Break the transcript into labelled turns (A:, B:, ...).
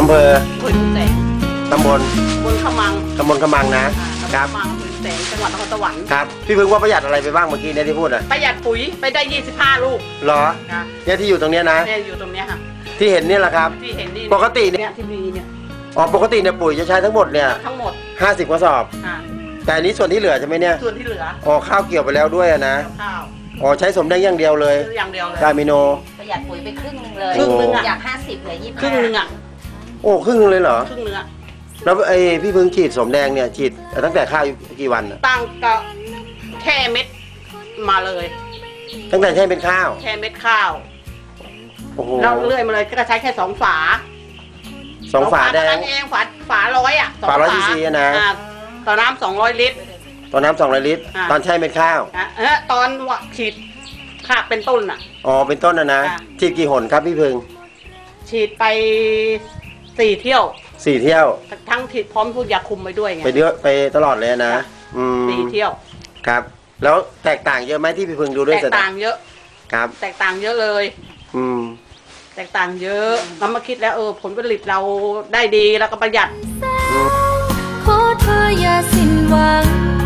A: เภอ
B: ขุนแสง
A: ตำบล
B: ขมัง
A: นะครับ
B: ขมังขุนแสงจังหวัดนครสวรรค์
A: ครับพี่พึ่งว่าประหยัดอะไรไปบ้างเมื่อกี้เนี่ยที่พูดอ่ะ
B: ประหยัดปุ๋ยไปได้25 ลูก
A: เหรอเนี่ยที่อยู่ตรงเนี้ยนะ
B: เนี่ยอยู่ตรงเนี้ยค่ะ
A: ที่เห็นนี่แหละครับ
B: ที่เห็นนี่
A: ปกติเนี่ย
B: ที่มีเนี่ย
A: อ๋อปกติเนี่ยปุ๋ยจะใช้ทั้งหมดเนี่ย
B: ทั้งหมด
A: 50 กระสอบแต่อันนี้ส่วนที่เหลือใช่ไหมเนี่ย
B: ส่วนที่เหลือ
A: อ๋อข้าวเกี่ยวไปแล้วด้วยนะ
B: ข้าว
A: อ๋อใช้สมแดงอย่างเดียวเลย
B: อย่างเดียวเลย
A: กามิโน
C: ประหยัดปุ๋ยไปครึ่งนึงเลย
B: ครึ่งนึง
C: จาก50เหลือ25
B: ครึ่งนึงอ่ะ
A: โอ้ครึ่งนึงเลยเหรอ
B: ครึ่งนึงอ่ะ
A: แล้วไอ้พี่พึ่งฉีดสมแดงเนี่ยฉีดตั้งแต่ข้าวกี่วัน
B: ตั้งก็แค่เม็ดมาเลย
A: ตั้งแต่ใช้เป็นข้าว
B: แค่เม็ดข้าว
A: โอ้โห
B: เราเลื่อยมาเลยก็ใช้แค่2 ฝา
A: ฝาแดง
B: เองฝา100อ่ะ
A: ฝา100 cc นะ
B: ต่อน้ำ200 ลิตร
A: ตอนน้ำ200 ลิตรตอนใช้เป็นข้าว
B: ตอนฉีดข้าเป็นต้นอ่ะ
A: อ๋อเป็นต้นนะฉีดกี่หนครับพี่พึ่ง
B: ฉีดไป4 เที่ยว
A: 4 เที่ยว
B: ทั้งฉีดพร้อมพูดยาคุมไปด้วยไง
A: ไปตลอดเลยนะ
B: 4 เที่ยว
A: ครับแล้วแตกต่างเยอะไหมที่พี่พึ่งดูด้วย
B: แตกต่างเยอะ
A: ครับ
B: แตกต่างเยอะเลยแตกต่างเยอะแล้วมาคิดแล้วผลผลิตเราได้ดีแล้วก็ประหยัด
D: ขอเธออย่าสิ้นหวัง